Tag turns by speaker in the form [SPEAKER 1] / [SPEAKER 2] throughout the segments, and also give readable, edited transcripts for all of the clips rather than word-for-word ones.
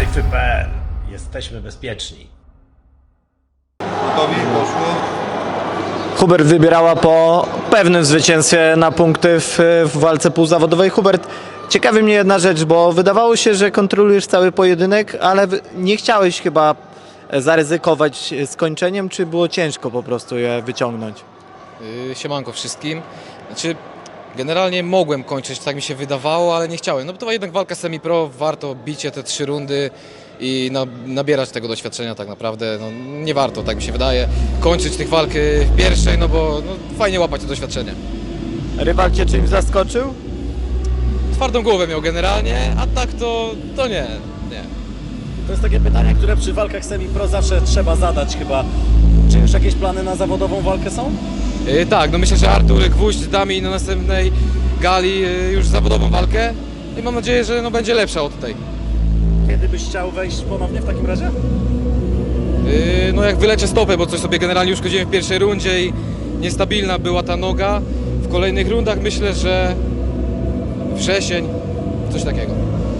[SPEAKER 1] Sejfy.pl. Jesteśmy bezpieczni.
[SPEAKER 2] Gotowi? Poszło?
[SPEAKER 3] Hubert wybierała po pewnym zwycięstwie na punkty w walce półzawodowej. Hubert, ciekawi mnie jedna rzecz, bo wydawało się, że kontrolujesz cały pojedynek, ale nie chciałeś chyba zaryzykować skończeniem, czy było ciężko po prostu je wyciągnąć?
[SPEAKER 4] Siemanko wszystkim. Znaczy, generalnie mogłem kończyć, tak mi się wydawało, ale nie chciałem. No bo to była jednak walka semi-pro, warto bicie te 3 rundy i nabierać tego doświadczenia tak naprawdę. No, nie warto, tak mi się wydaje, kończyć tych walk w pierwszej, no bo fajnie łapać to doświadczenie.
[SPEAKER 3] Rywal cię czymś zaskoczył?
[SPEAKER 4] Twardą głowę miał generalnie, a tak to nie.
[SPEAKER 1] To jest takie pytanie, które przy walkach semi-pro zawsze trzeba zadać chyba. Czy już jakieś plany na zawodową walkę są?
[SPEAKER 4] Tak, no myślę, że Artur Gwóźdź da mi na następnej gali już zawodową walkę i mam nadzieję, że będzie lepsza od tej.
[SPEAKER 1] Kiedy byś chciał wejść ponownie w takim razie?
[SPEAKER 4] No jak wyleczę stopę, bo coś sobie generalnie uszkodziłem w pierwszej rundzie i niestabilna była ta noga. W kolejnych rundach myślę, że wrzesień, coś takiego.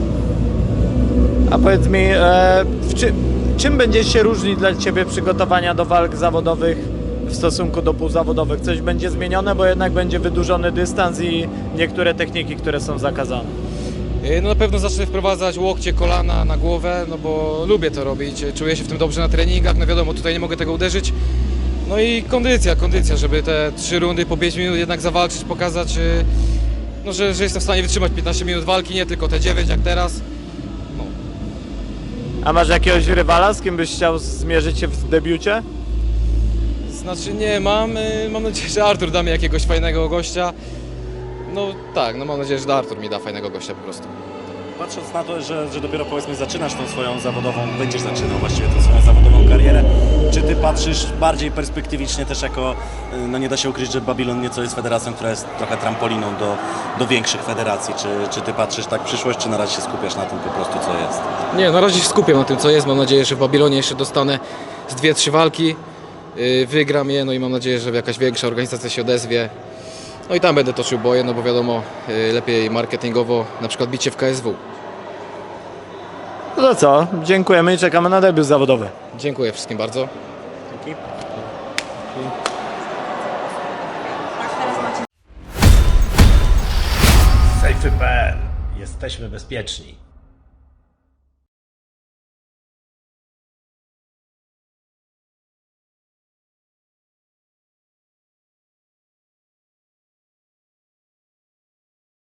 [SPEAKER 3] A powiedz mi, czym będzie się różnić dla ciebie przygotowania do walk zawodowych w stosunku do półzawodowych? Coś będzie zmienione, bo jednak będzie wydłużony dystans i niektóre techniki, które są zakazane.
[SPEAKER 4] No na pewno zacznę wprowadzać łokcie, kolana na głowę, no bo lubię to robić, czuję się w tym dobrze na treningach, no wiadomo, tutaj nie mogę tego uderzyć. No i kondycja, żeby te 3 rundy po 5 minut jednak zawalczyć, pokazać, no, że jestem w stanie wytrzymać 15 minut walki, nie tylko te 9 jak teraz. No.
[SPEAKER 3] A masz jakiegoś rywala, z kim byś chciał zmierzyć się w debiucie?
[SPEAKER 4] Znaczy nie mam nadzieję, że Artur da mi jakiegoś fajnego gościa. No tak, no mam nadzieję, że Artur mi da fajnego gościa po prostu.
[SPEAKER 1] Patrząc na to, że dopiero powiedzmy zaczynasz tą swoją zawodową, będziesz zaczynał właściwie tą swoją zawodową karierę, czy ty patrzysz bardziej perspektywicznie też jako, no nie da się ukryć, że Babylon nieco jest federacją, która jest trochę trampoliną do większych federacji, czy ty patrzysz tak w przyszłość, czy na razie się skupiasz na tym po prostu co jest?
[SPEAKER 4] Nie, na razie się skupiam na tym co jest, mam nadzieję, że w Babilonie jeszcze dostanę z 2-3 walki, wygram je, no i mam nadzieję, że jakaś większa organizacja się odezwie. No i tam będę toczył boje, no bo wiadomo, lepiej marketingowo, na przykład bicie w KSW.
[SPEAKER 3] No to co, dziękujemy i czekamy na debiut zawodowy.
[SPEAKER 4] Dziękuję wszystkim bardzo.
[SPEAKER 1] Dzięki. Sejfy.pl. Jesteśmy bezpieczni.